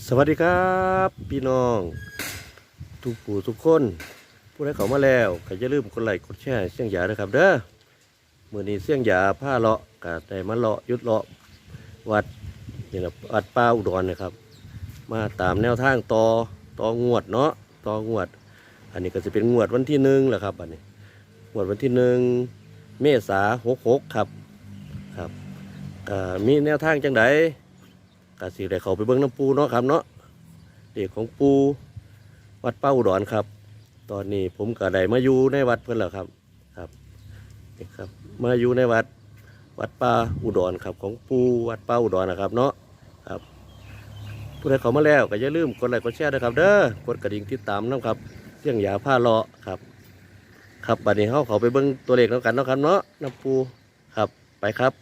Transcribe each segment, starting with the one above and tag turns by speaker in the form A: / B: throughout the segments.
A: สวัสดีครับพี่น้องทุกผู้ทุกคนผู้ใดเข้ามาแล้วก็อย่าลืมกดไลค์กดแชร์เสียงหยาด้วยครับเด้อมื้อนี้เสียงหยาผ้าเลาะก็ได้มาเลาะยุดเลาะวัดนี่แหละวัดป่าอุดรนะครับมาตามแนวทางต่องวดเนาะต่องวดอันนี้ก็จะเป็นงวดวันที่1แหละครับอันนี้งวดวันที่1 เมษายน66ครับมีแนวทางจังไดก็สิได้เข้าไปเบิ่งน้ำปูเนาะครับเนาะเด็กของปูวัดป่าอุดรครับตอนนี้ผมก็ได้มาอยู่ในวัดเพิ่นแล้วครับนี่ครับมาอยู่ในวัดป่าอุดรครับของปูวัดป่าอุดรนะครับเนาะครับผู้ใดเข้ามาแล้วก็อย่าลืมกดไลค์กดแชร์ด้วยครับเด้อกดกระดิ่งติดตามนำครับเสียงหยาผ้าเลาะครับบัดนี้เฮาเข้าไปเบิ่งตัวเลขแล้วกันเนาะครับเนาะน้ำปูครับไปครับ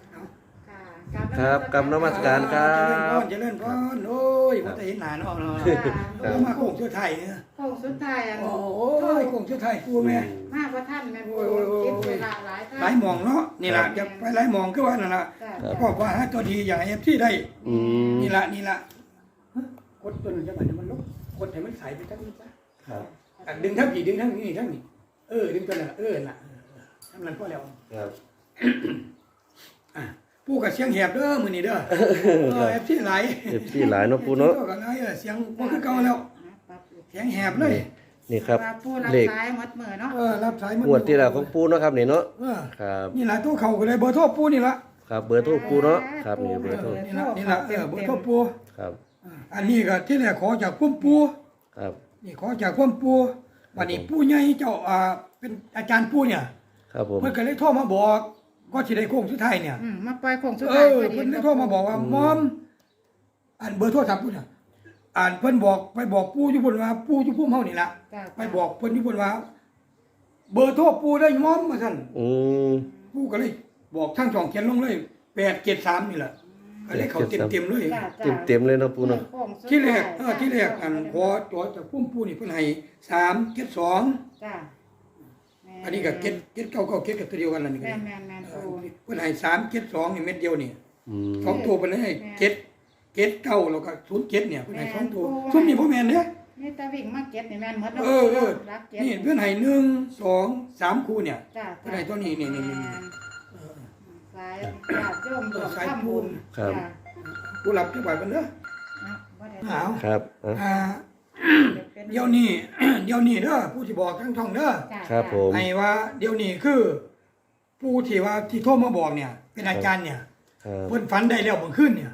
A: ครับกำนมัสการครับ
B: เจริญพรโอ้ยมันจะเห็นหนาเนาะมาโค้งชุดไทยเนี่ย
C: โค้งสุดท้ายอัน
B: โอ้ยโค้งชุดไทยกูแม่
C: มากกว่าท่านแม่คิดเวลาหลายท่าน
B: หลายมองเนาะนี่แหละจะไปหลายมองก็ว่านั่นแหละก็ว่าฮะตัวดีอย่างเอฟที่ได้นี่ละกดตัวนึงจะมันลบกดให้มันใสไปทั้งนี้ซะดึงทั้งกี่ดึงทั้งนี้ทั้งนี้ดึงตัวนั้นน่ะทำนั้นพอแล้วผู้กับเสียงแหบเด้อมื้อนี้เด้อเอฟที่หลาย
A: เนาะปูเนาะ
B: ก็หลายเสียงบ่คือเก่าแล้วเสียงแหบเลย
A: นี่ครับ
C: เลขสายมัดมือเนาะ
B: รับสายมัน
A: งวดที่แล้วของปูเนาะครับนี่เนาะครับ
B: นี่ล่ะตัวเขาก็เลยเบอร์โทรปูนี่ล่ะ
A: ครับเบอร์โทรปูเนาะครับนี่เบอร์โทร
B: นี่ล่ะเบอร์โทรปู
A: ครับ
B: อันนี้ก็ที่แรกขอจากพุ่มปู
A: ครับ
B: นี่ขอจากพุ่มปูวันนี้ปู่ใหญ่เจ้าเป็นอาจารย์ปูเนี่ย
A: ครับผม
B: เพิ่นก็เลยโทรมาบอกก็สิได้โค้งสุดท้ายเนี่ย
C: มาปล่อยโค้งสุดท้ายพอดี
B: เพิ่นได้โทรมาบอกว่ามอมอันเบอร์โทรศัพท์พุ่นน่ะเพิ่นบอกไปบอกปู่อยู่พุ่นว่าปู่อยู่พุ่มเฮานี่ล่ะไปบอกเพิ่นอยู่พุ่นว่าเบอร์โทรปู่ได้มอมว่าซั่นปู่ก็เลยบอกทั้งช่องเขียนลงเลย873นี่แหละก็เลยเข้าเต็มๆเลย
A: เต็มเลยเนาะปู่เนาะ
B: ที่แรกขอจอจากพุ่มปู่นี่เพิ่นให้372
C: จ้ะ
B: อันนี้ก็เก็ดเก้าเก็ดกับตัวเดียวกันนั่นนี่ก็
C: แม่ปู
B: เพิ่นให้372นี่เม็ดเดียวนี่2ตัวเพิ่นให้เก็ดเก้าแล้วก็07เนี่ยเพิ่นให้2ตัวซุมนี่บ่แม่นเด้
C: นี่ตาวิ่งมาเก็ดนี่แม่นหมด
B: รักเก็ดนี่เพิ่นให้1 2 3คู่เนี่ยเพิ่นให้ตัวนี้นี่
C: สายโยม
B: สายปูน
A: ครับ
B: ผู้รับจังหวัดเพิ่นเด้อ
A: ครับ
B: เดี๋ยวนี้เด้อผู้ที่บอกทั้งท่องเด้อ
A: ครับผม
B: ให้ว่าเดี๋ยวนี้คือผู้ที่ว่าที่โทรมาบอกเนี่ยเป็นอาจารย์เนี่ยเพิ่นฝันได้แล้วเมื่อคืนเนี่ย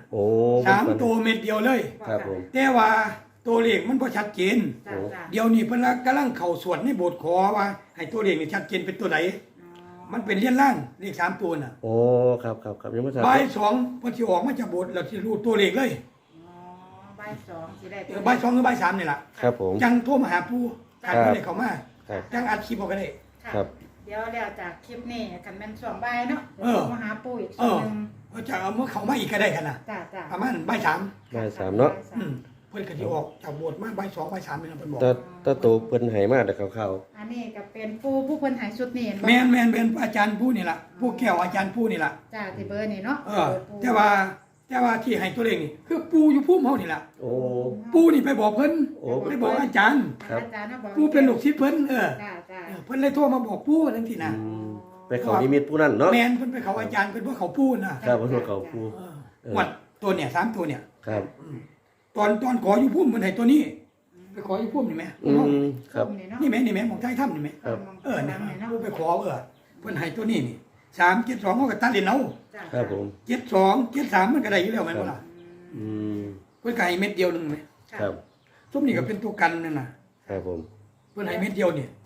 B: 3ตัวเม็ดเดียวเลย
A: ครับผม
B: แต่ว่าตัวเลขมันบ่ชัดเจนเดี๋ยวนี้เพิ่นกำลังเข้าสวดในโบสถ์ขอว่าให้ตัวเลขนี่ชัดเจนเป็นตัวใดมันเป็นเลียนล่างเลข3ตัวน่ะ
A: โอ้ครับยังบ่ทราบ
B: บ่าย2เพิ่นสิออกมาจากโบสถ์แล้วสิรู้ตัวเลขเลย
C: บ่าย2สิได้
B: บ่าย2หรือบ่าย3นี่ล่ะ
A: ครับผม
B: จังโทรมาหาปู่คันเพิ่นได้เข้ามาจังอัดคลิปเอาก็ได้
A: ครับ
C: เดี๋ยวแล้วจากคลิปนี้คันแม่นช่วงบ่ายเนาะมาหาปู่อีกทีนึง
B: จะเอามาเข้ามาอีกก็ได้กันน่ะประมาณบ่าย
A: 3เนาะ
B: เพิ่นก็สิออกจากโบสถ์มาบ่าย2บ่าย3นี่เพิ่นบอก
A: ตาโตเพิ่นให้มาแต่คร่าว
C: ๆอันนี้ก็เป็นผู้เพิ่นให้ชุดนี้
B: แม่นเป็นอาจารย์ผู้นี่ล่ะผู้แก้วอาจารย์ผู้นี่ล่ะ
C: จ้าที่เบอร์นี่เนาะ
B: แต่ว่าที่ให้ตัวเลขนี่คือปู่อยู่ภูมิเฮานี่ล่ะ
A: โอ้
B: ปู่นี่ไปบอกเพิ่นไปบอกอาจารย์ปู่เป็นลูกศิษย์เพิ่น
C: จ้า
B: เพิ่นเลยโทรมาบอกปู่จังซี่นะ
A: ไปเขานิมิตปู่นั่นเนาะ
B: แม่นเพิ่นไปเขาอาจารย์เพิ่นว่าเขาปู่น่ะ
A: ครับเพิ่นว่าเขาปู่
B: วัดตัวเนี่ย3ตัวเนี่ย
A: ครับ
B: ตอนขออยู่ภูมิเพิ่นให้ตัวนี้ไปขออยู่ภูมินี่แม่
A: ครับ
B: นี่แม่หม่องใต้ถ้ำนี่แม่นั่นปู่ไปขอเพิ่นให้ตัวนี้นี่372เฮาก็ตัดเล่นเอา
A: ครับผม
B: 72 73มันก็ได้อยู่แล้วแม่นบ่ล่ะเพิ่นก็ให้เม็ดเดียวนึงแม่
A: ครับ
B: ซุมนี่ก็เป็นตัวกันนั่นน่ะ
A: ครับผม
B: เพิ่นให้เม็ดเดียวนี่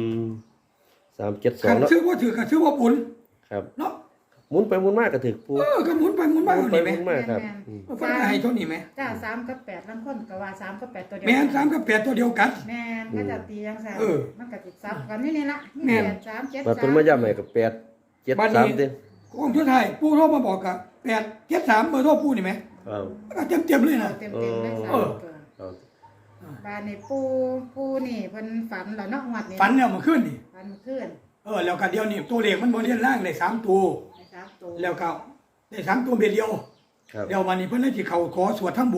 A: 372
B: เนาะชื่อบ่ถือก็ชื่อว่าบุญ
A: ครับ
B: เนาะ
A: หมุนไปหมุนมาก็ถึกปู่
B: ก็หมุนไปหมุนมา
A: นี่แม่ครับ
B: เพิ่นให้เท่านี้แม่
C: จ้า3กับ8ลางคนก็ว่า3กับ8ตัวเดียว
B: แม่น3กับ8ตัวเดียวกัน
C: แม่นก็จะตีจังซั่นมันก็สิซับกันนี่ล่ะ8 3 7 3
A: ว่าเพิ่นมาย้ำให้ก็8 7 3ติ
B: ของชุดไทยปู่โทรมาบอกก็8 7 3เบอร์โทรปู่นี่แม่ก็เต็มเลยนะ
C: เต็มเลยบ้านนี่ปู่นี่เพิ่นฝันแล้วเนาะงวดนี้
B: ฝันแล้วเมื่อคืนนี่
C: ฝันเมื่อคืน
B: แล้วก็เดี๋ยวนี้ตัวเลขมันบ่เรียนล่างได้3ตัวแล้วก็ได้3ตัวเม็ดเดียวเดี๋ยววันนี้เพิ่นเลยสิเข้าขอสวดทั้งโบสถ์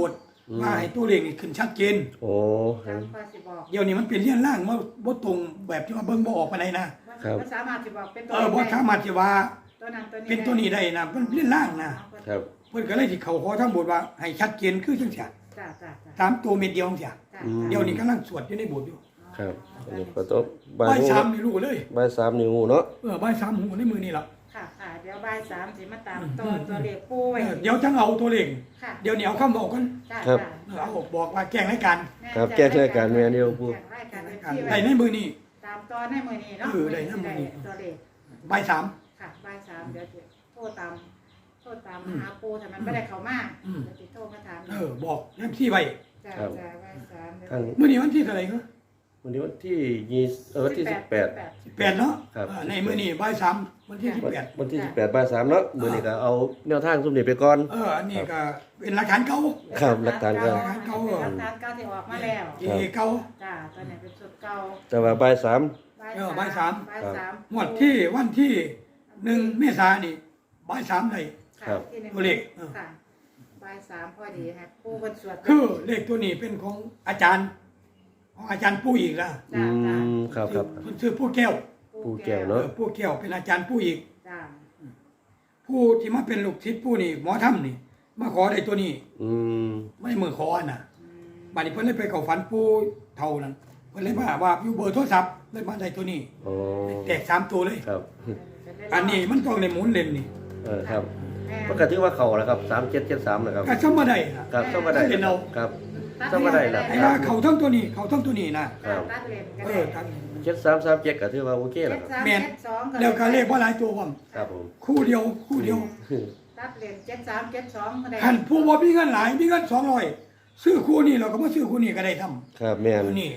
B: ว่าให้ตัวเลขนี่ขึ้นชัดเจน
A: โอ้
C: ตามข้อสิบอก
B: เดี๋ยวนี้มันเป็นเลี่ยนล่างว่าบ่ตรงแบบที่ว่าเบิ่งบ่ออกปานใดนะ
C: มันสามารถสิบอกเป็นตัว
B: บ่สามารถที่ว่า
C: ตัวนั้นตัวนี้
B: เป็นตัวนี้ได้นะมันเลี่ยนล่างนะครับ เพิ่นก็เลยสิเข้าขอทั้งบทว่าให้ชัดเจนคือจังซี่
C: จ้าจ้าจ้า
B: ตามตัวเม็ดเดียวจังซี่
C: จ้า
B: เดี๋ยวนี้กำลังสวดอยู่ในโบสถ์อยู่
A: ครับอันนี้ก็ต้อง
B: บ่าย
A: หู
B: 3นี่รู้เลย
A: บ่ายสามนิ้วเนาะ
B: บ่าย3หูในมือนี่ล่ะ
C: ค่ะค่ะเดี๋ยวบ่าย3สิมาตามตัวเลขปูไว้
B: เดี๋ยวจังเอาตัวเลข
C: ค่ะ
B: เดี๋ยวนี้เอาคำบอกกัน
C: จ้า
A: ครับ
C: จ้า
B: เอาบอกว่าแกล้งรายการ
A: ครับแก้รายการแม่นี่หลวงปู่
C: แก้รายการที่
B: ได้
C: ไว้
B: ในมือนี่
C: ตามตอนในมื้อนี้เนาะ
B: ได้ในมื้อนี้
C: ตัวเลข
B: บ่าย3
C: ค่ะบ่าย3เดี๋ยวจะโทรตามหาปูถ้ามันไม่ได้เข้ามาเดี๋ยวจะโทรมาถาม
B: บอกยังที่ไว้
C: จ้าจ้าบ่าย3เดี๋ยว
A: ทาง
B: มื้อนี้วันที่เท่าไหร่ครับ
A: วันนี้วันที่วันที่18
B: 18เนาะ
A: ครับ
B: ในมื้อนี้บ่าย3วันที่18
A: วันที่18บ่าย3เนาะมื้อนี้ก็เอาแนวทางซุมนี้ไปก่อน
B: อันนี้ก็เป็นหลักฐานเก่า
A: ครับหลักฐานก็
C: หลักฐานเก่าที่ออกมาแล้ว
B: ที่เก่า
C: จ้าตัวนี้เป็นสุดเก่า
A: แต่ว่าบ่าย3
B: บ่ายสาม
C: บ่ายสาม
B: งวดที่วันที่1เมษายนนี่บ่าย3ได้
C: ค่ะที่หนึ่ง
B: ตัวเลข
C: ค่ะบ่าย3พอดีครับปูบนสวด
B: คือเลขตัวนี้เป็นของอาจารย์ของอาจารย์ปู่อีกล่ะ
A: อื
C: จ้าจ้าม
A: ครับ
B: เพิ่นชื่อปู่แก้ว
A: ปูแก้วเนาะ
B: ปู่แก้วเป็นอาจารย์ปู่อีก
C: จ้า
B: ผู้ที่มาเป็นลูกศิษย์ปู่นี่หมอถ้ำนี่มาขอได้ตัวนี้
A: อืม
B: ไม่มือขอน่ะบัดนี้เพิ่นเลยไปเข้าฝันปู่เท่านั้นเพิ่นเลยว่าอยู่เบอร์โทรศัพท์เลยมาได้ตัวนี้
A: โอ้
B: แตก3ตัวเลย
A: ครับ
B: อันนี้มันต้องในหมุนเล่นนี่
A: ครับมันก็ถือว่าเข้าแล้วครับ3773นะครับ
B: ก็ซ้ำมาได้ล่ะ
A: ครับเข้ามาได้
B: เห็นเอา
A: ครับเข้ามาได้แล้ว
B: ไอ้ว่าเขาทั้งตัวนี้เขาทั้งตัวนี้นะ
A: ครับ
C: ตัดเลนกัน
B: ทั้ง
A: 7337ก็ถือว่าโอเคแล้วครับ
B: แม่นแล้วก็เลขบ่หลายตัวพร้อม
A: ครับผม
B: คู่เดียว
C: ตัดเลน7372ก็ได้
B: คันผู้บ่มีเงินหลายมีเงิน200ซื้อคู่นี้เราก็มาซื้อคู่นี้ก็ได้ทำ
A: ครับแม่น
B: นี่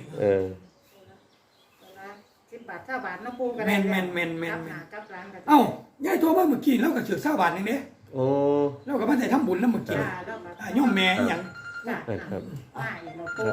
C: 10 บาท20 บาทเนาะปูก็ได้
B: แม่น
C: กับหลานก็
B: เอ้ายายโทรมาเมื่อกี้แล้วก็ซื้อ20 บาทนึงเด้
A: โอ้
B: แล้วก็มาได้ทำบุญนำเมื่อกี้
C: จ้าแล้วก็
B: ย่อมแม่หยัง
C: จ้า
A: ครับ
C: มาอีกเนาะปู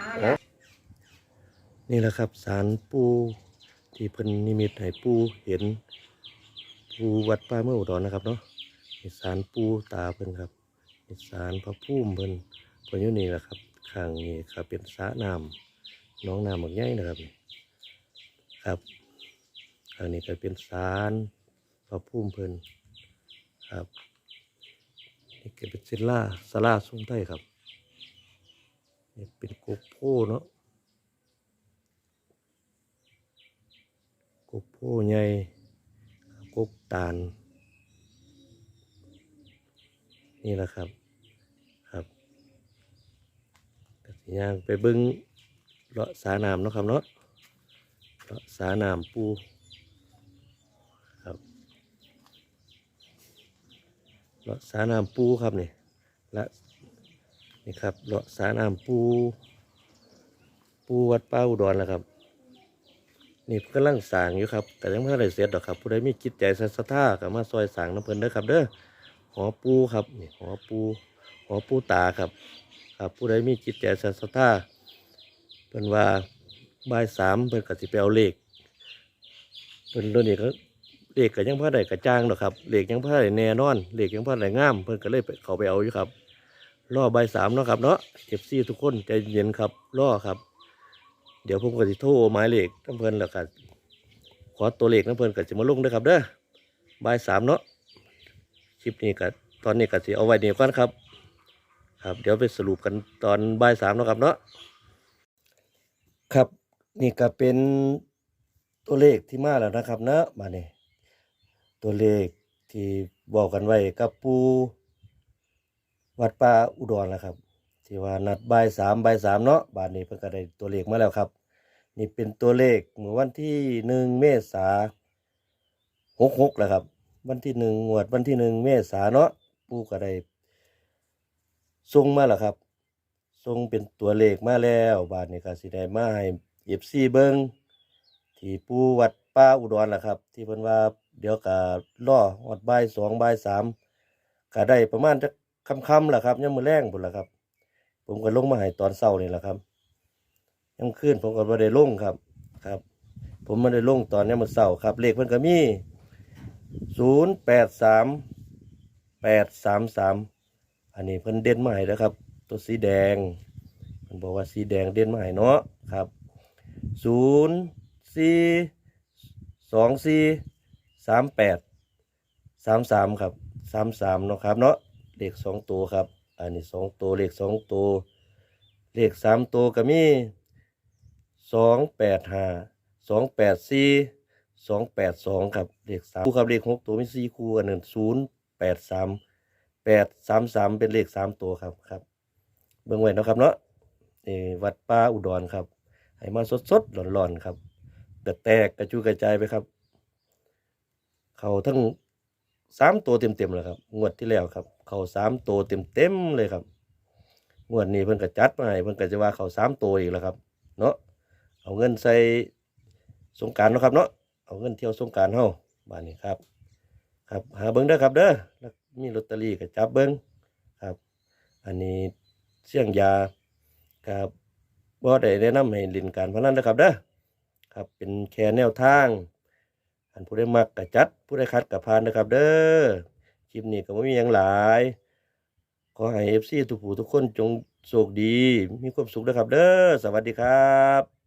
A: นี่แหละครับศาลปู่ที่เพิ่นนิมิตให้ปู่เห็นปู่วัดป่าเมืองอุดรนะครับเนาะนี่ศาลปู่ตาเพิ่นครับนี่ศาลพระภูมิเพิ่นอยู่นี่แหละครับข้างนี้ครับเป็นสระน้ำหน้องน้ำบักใหญ่นะครับนี่ครับข้างนี้ก็เป็นศาลพระภูมิเพิ่นครับนี่ก็เป็นศาลาทรงไทยครับนี่เป็นกกโพเนาะ กกโพใหญ่กกตาลนี่แหละครับครับกสิย่างไปเบิ้งเลาะสาน้ำเนาะครับเนาะเลาะสาน้ำปูครับเลาะสาน้ำปูครับนี่และนี่ครับเลาะสาน้ำปูวัดป่าอุดรแล้วครับนี่กำลังสร้างอยู่ครับแต่ยังไม่ได้เสร็จหรอกครับผู้ใดมีจิตใจศรัทธาก็มาซอยสร้างน้ำเพลินเด้อครับเด้อหอปูครับนี่หอปูตาครับครับผู้ใดมีจิตใจศรัทธาเพิ่นว่าบ่าย3เพิ่นก็สิไปเอาเลขเพิ่นตัวนี้ก็เลขก็ยังพอได้กระจ่างดอกครับเลขยังพอได้แน่นอนเลขยังพอได้งามเพิ่นก็เลยไปเข้าไปเอาอยู่ครับรอบ่าย3เนาะครับเนาะ FC ทุกคนใจเย็นครับรอครับเดี๋ยวผมก็สิโทรหมายเลขน้ำเพลินแล้วกันขอตัวเลขน้ำเพลินก็จะมาลงด้วยครับเด้อบ่าย3เนาะคลิปนี้ก็ตอนนี้ก็สิเอาไว้นี่ก่อนครับครับเดี๋ยวไปสรุปกันตอนบ่าย3เนาะครับเนาะครับนี่ก็เป็นตัวเลขที่มาแล้วนะครับเนาะมาเนี่ยตัวเลขที่บอกกันไว้กับปูวัดป่าอุดรนะครับที่ว่านัดบ่าย3เนาะบาทนี้เพิ่นก็ได้ตัวเลขมาแล้วครับนี่เป็นตัวเลขเมื่อวันที่1เมษายน66แล้วครับวันที่1งวดวันที่1เมษายนเนาะปู่ก็ได้ส่งมาแล้วครับส่งเป็นตัวเลขมาแล้วบาทนี้ก็สิได้มาให้ FC เบิ่งที่ปู่วัดป่าอุดรล่ะครับที่เพิ่นว่าเดี๋ยวก็รอฮอดบ่าย2บ่าย3ก็ได้ประมาณจักค่ำๆล่ะครับยามมื้อแลงพุ่นล่ะครับผมก็ลงมาให้ตอนเช้านี่แหละครับยังคืนผมก็บ่ได้ลงครับครับผมไม่ได้ลงตอนนี้มื้อเช้าครับเลขเพิ่นก็มี083833อันนี้เพิ่นเด่นมาให้แล้วครับตัวสีแดงมันบอกว่าสีแดงเด่นมาให้เนาะครับ0 4 2 4 3 8 3 3ครับ33เนาะครับเนาะเลข2ตัวครับอันนี้2ตัวเลข2ตัวเลข3ตัวก็มี285 284 282ครับเลข3คู่ครับเลข6ตัวมี4คู่อันนั้น0 8 3 8 3 3เป็นเลข3ตัวครับครับเบิ่งไว้เนาะครับเนาะวัดป่าอุดรครับให้มาสดๆร้อนๆครับกระแตกกระจุยกระจายไปครับเขาทั้ง3ตัวเต็มๆเลยครับงวดที่แล้วครับเขา3ตัวเต็มๆเลยครับงวดนี้เพิ่นก็จัดมาให้เพิ่นก็จะว่าเขา3ตัวอีกแล้วครับเนาะเอาเงินใส่สงกรานต์เนาะครับเนาะเอาเงินเที่ยวสงกรานต์เฮาบ้านนี้ครับครับหาเบิ่งเด้อครับเด้อแล้วมีลอตเตอรี่ก็จับเบิ่งครับอันนี้เสี่ยงยาครับบ่ได้แนะนำให้เล่นการพนันนะครับเด้อครับเป็นแค่แนวทางอันผู้ใดมักก็จัดผู้ใดขัดก็ผ่านนะครับเด้อคลิปนี้ก็บ่มีหยังหลายขอให้ FC ทุกผู้ทุกคนจงโชคดีมีความสุขนะครับเด้อสวัสดีครับ